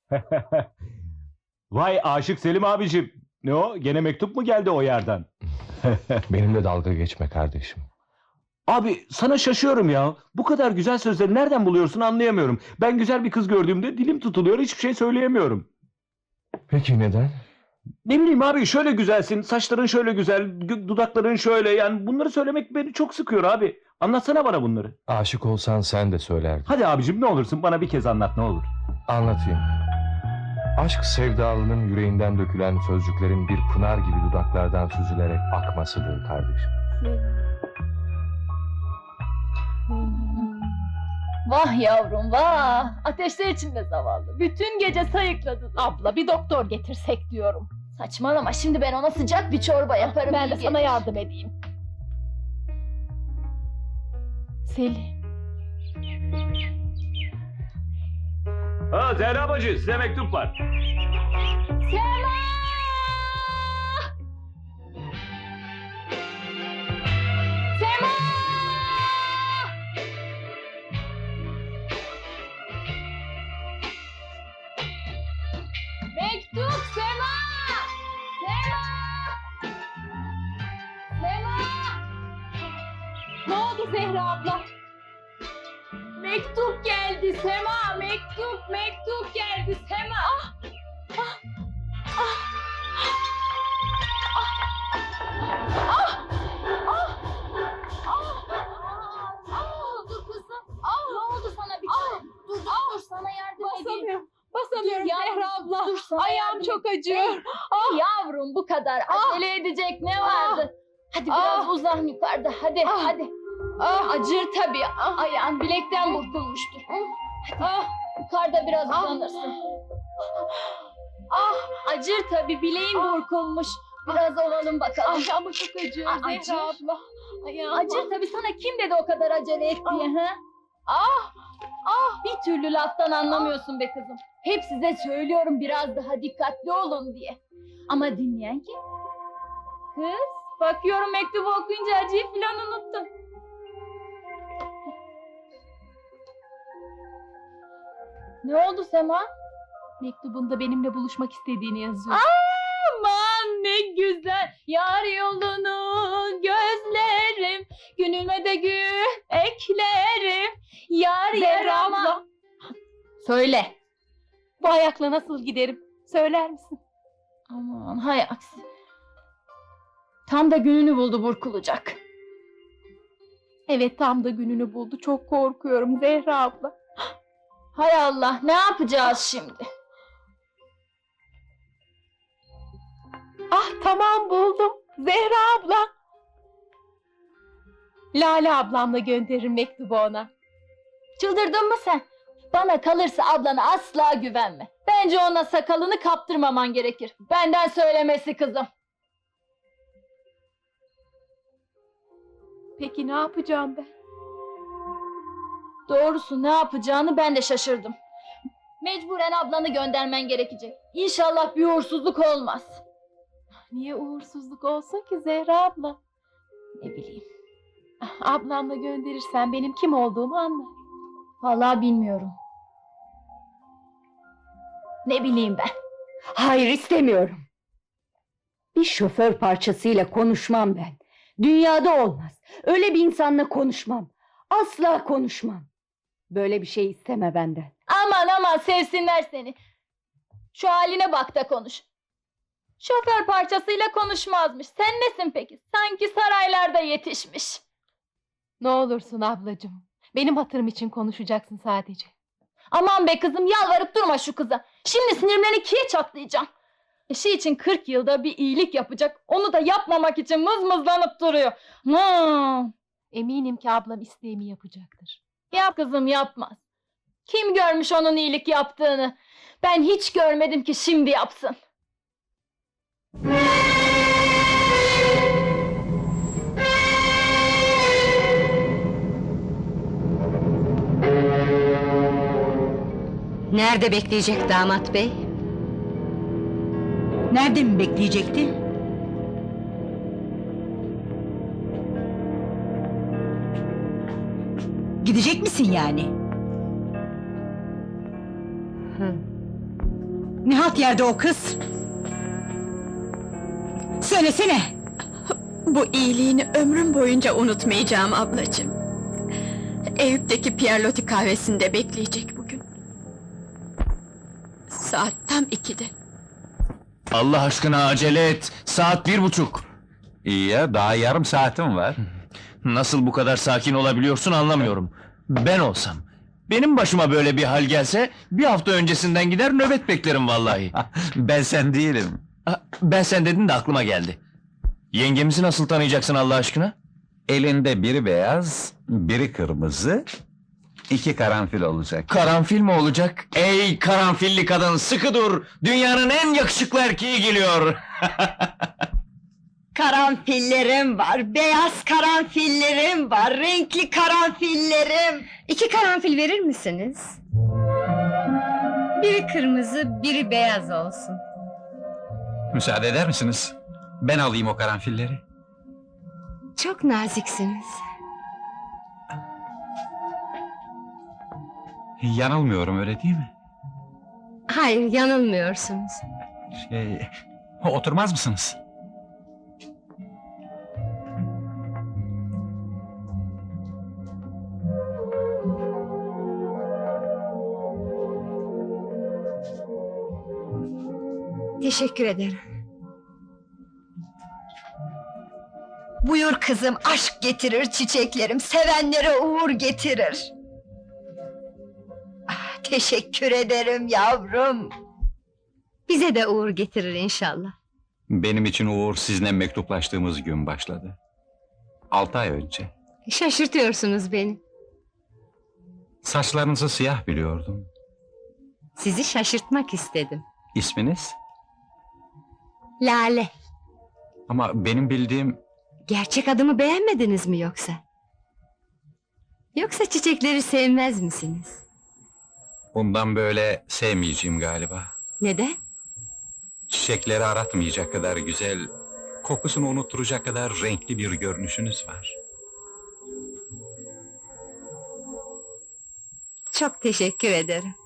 Vay Aşık Selim abicim. Ne o? Gene mektup mu geldi o yerden? Benimle dalga geçme kardeşim. Abi sana şaşıyorum ya. Bu kadar güzel sözleri nereden buluyorsun anlayamıyorum. Ben güzel bir kız gördüğümde dilim tutuluyor, hiçbir şey söyleyemiyorum. Peki neden? Ne bileyim abi, şöyle güzelsin, saçların şöyle güzel, dudakların şöyle, yani bunları söylemek beni çok sıkıyor abi. Anlatsana bana bunları. Aşık olsan sen de söylerdin. Hadi abicim ne olursun bana bir kez anlat ne olur. Anlatayım. Aşk sevdalının yüreğinden dökülen sözcüklerin bir pınar gibi dudaklardan süzülerek akmasıdır kardeşim. Vah yavrum vah! Ateşler içinde zavallı. Bütün gece sayıkladı. Abla bir doktor getirsek diyorum. Saçmalama, şimdi ben ona sıcak bir çorba yaparım. Ben de iyi sana gelir. yardım edeyim. Selim. Ha Zehra bacı, size mektup var. Sema! Sema! Mektup Sema! Sema! Sema! Ne oldu Zehra abla? Mektup geldi Sema! Mektup geldi Sema! Dur kızım. Ne oldu sana bir tane? Dur sana yardım edeyim. Basamıyorum Dur yavrum, Zehra abla. dur sana Ayağım yardım çok edeyim. acıyor. Yavrum bu kadar acele edecek ne vardı? Hadi biraz uzan yukarıda hadi hadi. Acır tabii. Ayağın bilekten burkulmuştur. Hadi yukarıda biraz uzanırsın. Acır tabii, bileğin burkulmuş. Biraz ovalım bakalım. Ayağım çok acıyor Acır. Zehra abla. Ayağım. Acır tabii, sana kim dedi o kadar acele et diye ha? Bir türlü laftan anlamıyorsun be kızım. Hep size söylüyorum biraz daha dikkatli olun diye. Ama dinleyen kim? Kız, bakıyorum mektubu okuyunca acıyı filan unuttun. Ne oldu Sema? Mektubunda benimle buluşmak istediğini yazıyor. Aman ne güzel, yar yolunu gözlerim, günüme de gül eklerim, yar Zehra yarama. abla. Söyle. Bu ayakla nasıl giderim? Söyler misin? Aman hay aksi. Tam da gününü buldu burkulacak. Evet tam da gününü buldu. Çok korkuyorum Zehra abla. Hay Allah, ne yapacağız şimdi? Ah tamam buldum. Zehra abla. Lale ablamla gönderirim mektubu ona. Çıldırdın mı sen? Bana kalırsa ablana asla güvenme. Bence ona sakalını kaptırmaman gerekir. Benden söylemesi kızım. Peki ne yapacağım ben? Doğrusu ne yapacağını ben de şaşırdım. Mecburen ablanı göndermen gerekecek. İnşallah bir uğursuzluk olmaz. Niye uğursuzluk olsun ki Zehra abla? Ne bileyim. Ablamla gönderirsen benim kim olduğumu anlar. Vallahi bilmiyorum. Ne bileyim ben. Hayır istemiyorum. Bir şoför parçasıyla konuşmam ben. Dünyada olmaz. Öyle bir insanla konuşmam. Asla konuşmam. Böyle bir şey isteme benden. Aman sevsinler seni. Şu haline bak da konuş. Şoför parçasıyla konuşmazmış. Sen nesin peki? Sanki saraylarda yetişmiş. Ne olursun ablacığım. Benim hatırım için konuşacaksın sadece. Aman be kızım, yalvarıp durma şu kıza. Şimdi sinirlerini ikiye çatlayacağım. Eşi için 40 yılda bir iyilik yapacak. Onu da yapmamak için mızmızlanıp duruyor. Eminim ki ablam isteğimi yapacaktır. Yap kızım, yapmaz. Kim görmüş onun iyilik yaptığını? Ben hiç görmedim ki şimdi yapsın. Nerede bekleyecek damat bey? Nerede mi bekleyecekti? Gidecek misin yani? Ne halt yerde o kız? Söylesene! Bu iyiliğini ömrüm boyunca unutmayacağım ablacığım. Eyüp'teki Pierlotti kahvesinde bekleyecek bugün. Saat tam 2'de. Allah aşkına acele et. Saat 1:30. İyi ya, daha yarım saatim var. Nasıl bu kadar sakin olabiliyorsun anlamıyorum. Ben olsam, benim başıma böyle bir hal gelse, bir hafta öncesinden gider nöbet beklerim vallahi. Ben sen değilim. Ben sen dedin de aklıma geldi. Yengemizi nasıl tanıyacaksın Allah aşkına? Elinde biri beyaz, biri kırmızı, 2 karanfil olacak. Karanfil mi olacak? Ey karanfilli kadın, sıkı dur! Dünyanın en yakışıklı erkeği geliyor! Karanfillerim var, beyaz karanfillerim var, renkli karanfillerim. 2 karanfil verir misiniz? Biri kırmızı, biri beyaz olsun. Müsaade eder misiniz? Ben alayım o karanfilleri. Çok naziksiniz. Yanılmıyorum, öyle değil mi? Hayır, yanılmıyorsunuz. Oturmaz mısınız? Teşekkür ederim. Buyur kızım, aşk getirir çiçeklerim, sevenlere uğur getirir. Teşekkür ederim yavrum. Bize de uğur getirir inşallah. Benim için uğur sizinle mektuplaştığımız gün başladı. 6 ay önce. Şaşırtıyorsunuz beni. Saçlarınızı siyah biliyordum. Sizi şaşırtmak istedim. İsminiz? Lale. Ama benim bildiğim... Gerçek adımı beğenmediniz mi yoksa? Yoksa çiçekleri sevmez misiniz? Bundan böyle sevmeyeceğim galiba. Neden? Çiçekleri aratmayacak kadar güzel, kokusunu unutturacak kadar renkli bir görünüşünüz var. Çok teşekkür ederim.